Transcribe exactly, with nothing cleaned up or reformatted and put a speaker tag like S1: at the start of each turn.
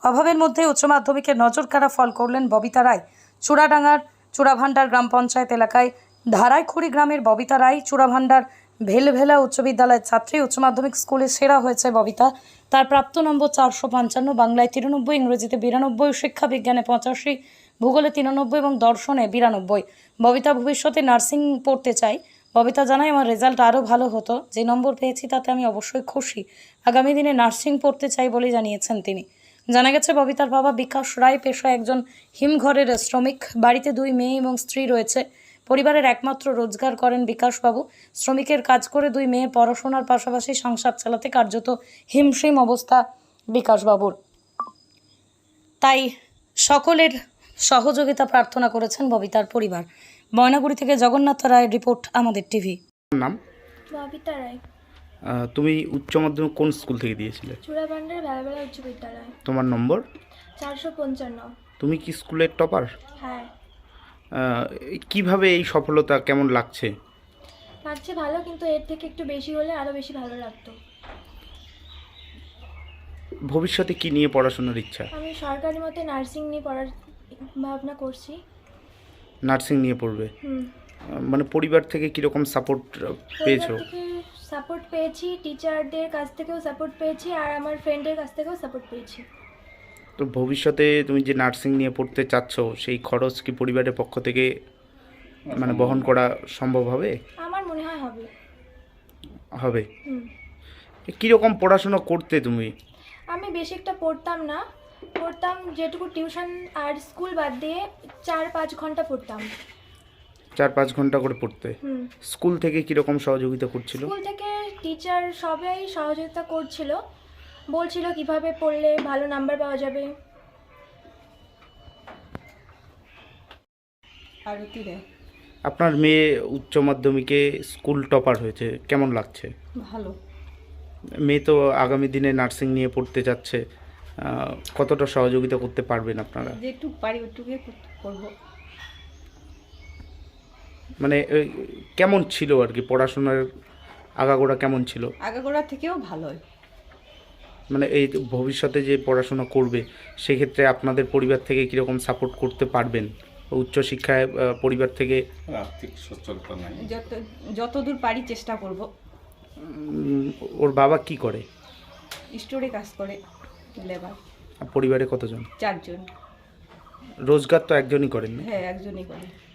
S1: অভাবের মধ্যে উচ্চ মাধ্যমিকের নজরকাড়া ফল করলেন ববিতা রায়। চূড়াডাঙ্গার চূড়াভান্ডার গ্রাম পঞ্চায়েত এলাকায় ধারাইখুড়ি গ্রামের ববিতা রায় চূড়াভান্ডার ভেলভেলা উচ্চ বিদ্যালয়ের ছাত্রী। উচ্চ মাধ্যমিক স্কুলে সেরা হয়েছে ববিতা। তার প্রাপ্ত নম্বর চারশো পঞ্চান্ন, বাংলায় তিরানব্বই, ইংরেজিতে বিরানব্বই, শিক্ষা বিজ্ঞানে পঁচাশি, ভূগোলে তিরানব্বই এবং দর্শনে বিরানব্বই। ববিতা ভবিষ্যতে নার্সিং পড়তে চায়। ববিতা জানায়, আমার রেজাল্ট আরও ভালো হতো, যে নম্বর পেয়েছি তাতে আমি অবশ্যই খুশি। আগামী দিনে নার্সিং পড়তে চাই বলে জানিয়েছেন তিনি। জানা গেছে ববিতার বাবা বিকাশ রায় পেশায় একজন হিমঘরের শ্রমিক। বাড়িতে দুই মেয়ে এবং স্ত্রী রয়েছে। পরিবারের একমাত্র রোজগার করেন বিকাশবাবু। শ্রমিকের কাজ করে দুই মেয়ের পড়াশোনার পাশাপাশি সংসার চালাতে কার্যত হিমশিম অবস্থা বিকাশবাবুর। তাই সকলের সহযোগিতা প্রার্থনা করেছেন ববিতার পরিবার। ময়নাগুড়ি থেকে জগন্নাথ রায়ের রিপোর্ট, আমাদের টিভি।
S2: নাম?
S3: ববিতা রায়।
S2: আহ, তুমি উচ্চ মাধ্যমিক কোন স্কুল থেকে দিয়েছিলে?
S3: চূড়াভান্ডার ভেলভেলা উচ্চ বিদ্যালয়।
S2: তোমার নম্বর?
S3: চারশো পঞ্চান্ন।
S2: তুমি কি স্কুলের টপার?
S3: হ্যাঁ,
S2: কিভাবে এই সফলতা কেমন লাগছে?
S3: লাগছে ভালো, কিন্তু এর থেকে একটু বেশি হলে আরও বেশি ভালো লাগতো।
S2: ভবিষ্যতে কি নিয়ে পড়াশোনার ইচ্ছা?
S3: আমি সরকারি মতে নার্সিং নিয়ে পড়ার ভাবনা করছি।
S2: নার্সিং নিয়ে পড়বে?
S3: হুম।
S2: আহ, মানে পরিবার থেকে কিরকম সাপোর্ট পেয়েছো?
S3: পরিবার থেকে সাপোর্ট পেয়েছি, টিচারদের কাছ থেকেও সাপোর্ট পেয়েছি, আর আমার ফ্রেন্ডের কাছ থেকেও সাপোর্ট পেয়েছি।
S2: তো ভবিষ্যতে তুমি যে নার্সিং নিয়ে পড়তে চাচ্ছ, সেই খরচ কি পরিবারের পক্ষ থেকে মানে বহন করা সম্ভব হবে?
S3: আমার মনে হয় হবে।
S2: হবে।
S3: হুম।
S2: কীরকম পড়াশোনা করতে তুমি?
S3: আমি বেশি একটা পড়তাম না, পড়তাম যেটুকু টিউশন আর স্কুল বাদ দিয়ে চার পাঁচ ঘন্টা পড়তাম।
S2: চার পাঁচ ঘন্টা করে পড়তে?
S3: হুম।
S2: স্কুল থেকে কীরকম সহযোগিতা করছিল?
S3: স্কুল থেকে টিচার সবাই সহযোগিতা করছিল, বলছিল কিভাবে পড়লে ভালো নাম্বার পাওয়া যাবে।
S2: আপনার মেয়ে উচ্চ মাধ্যমিকে স্কুল টপার হয়েছে, কেমন লাগছে?
S1: ভালো।
S2: মেয়ে তো আগামী দিনে নার্সিং নিয়ে পড়তে যাচ্ছে, আহ, কতটা সহযোগিতা করতে পারবেন আপনারা?
S1: যেটুকু পারি ওইটুকুই করবো।
S2: মানে এই, কেমন ছিল আর কি পড়াশোনার আগাগোড়া কেমন ছিল?
S1: আগাগোড়া থেকেও ভালো।
S2: মানে এই ভবিষ্যতে যে পড়াশোনা করবে সেক্ষেত্রে আপনাদের পরিবার থেকে কীরকম সাপোর্ট করতে পারবেন? উচ্চশিক্ষায় আহ, পরিবার থেকে
S4: আর্থিক সচ্ছলতা নাই,
S1: যত যতদূর পারি চেষ্টা করব।
S2: উম, ওর বাবা কি করে?
S1: স্টোরে কাজ করে, লেবার।
S2: আর পরিবারে কতজন?
S1: চারজন।
S2: রোজগার তো একজনই করেন না?
S1: হ্যাঁ, একজনই করে।